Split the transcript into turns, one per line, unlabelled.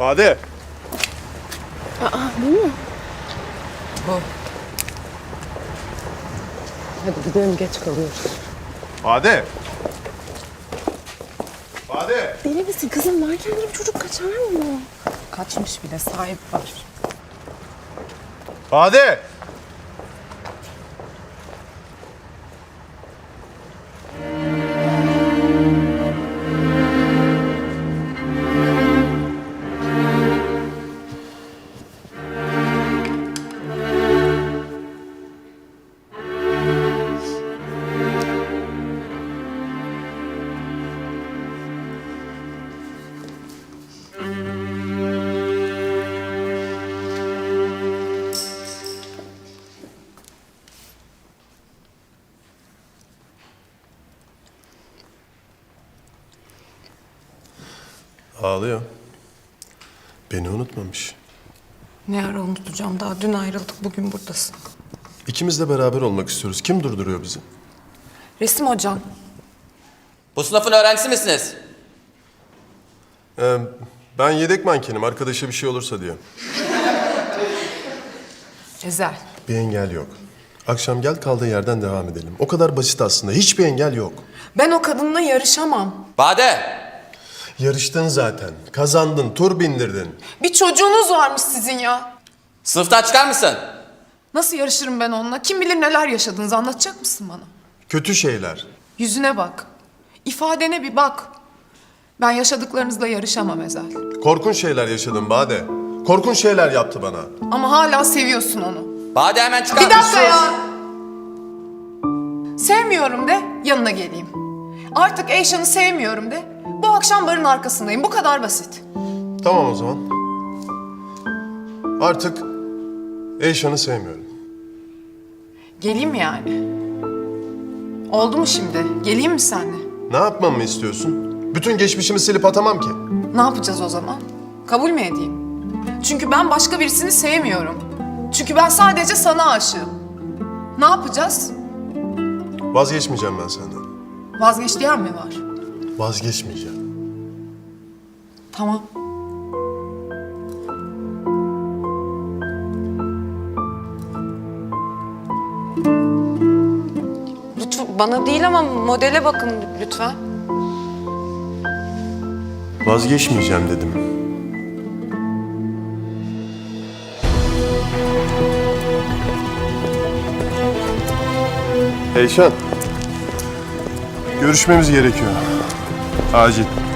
Bade.
Bu mu? Bu. Hadi gidelim, geç kalıyoruz.
Bade. Bade.
Deli misin kızım? Varken bir çocuk kaçar mı? Kaçmış bile, sahip var.
Bade. Ağlıyor. Beni unutmamış.
Ne ara unutacağım? Daha dün ayrıldık, bugün buradasın.
İkimiz de beraber olmak istiyoruz. Kim durduruyor bizi?
Resim hocam.
Bu sınıfın öğrencisi misiniz?
Ben yedek mankenim. Arkadaşa bir şey olursa diye.
Ezel.
Bir engel yok. Akşam gel, kaldığı yerden devam edelim. O kadar basit aslında. Hiçbir engel yok.
Ben o kadınla yarışamam.
Bade!
Yarıştın zaten. Kazandın. Tur bindirdin.
Bir çocuğunuz varmış sizin ya.
Sınıftan çıkar mısın?
Nasıl yarışırım ben onunla? Kim bilir neler yaşadınız, anlatacak mısın bana?
Kötü şeyler.
Yüzüne bak. İfadene bir bak. Ben yaşadıklarınızla yarışamam Ezel.
Korkunç şeyler yaşadım Bade. Korkunç şeyler yaptı bana.
Ama hala seviyorsun onu.
Bade hemen çıkar
Bir dakika
mısın?
ya. Sevmiyorum de, yanına geleyim. Artık Eyşan'ı sevmiyorum de, bu akşam barın arkasındayım. Bu kadar basit.
Tamam o zaman. Artık Eyşan'ı sevmiyorum.
Geleyim mi yani? Oldu mu şimdi? Geleyim mi seninle?
Ne yapmamı istiyorsun? Bütün geçmişimi silip atamam ki.
Ne yapacağız o zaman? Kabul mü edeyim? Çünkü ben başka birisini sevmiyorum. Çünkü ben sadece sana aşığım. Ne yapacağız?
Vazgeçmeyeceğim ben senden.
Vazgeç diyen mi var?
Vazgeçmeyeceğim.
Tamam. Lütfen, bana değil ama modele bakın lütfen.
Vazgeçmeyeceğim dedim. Eyşan. Görüşmemiz gerekiyor. Acil.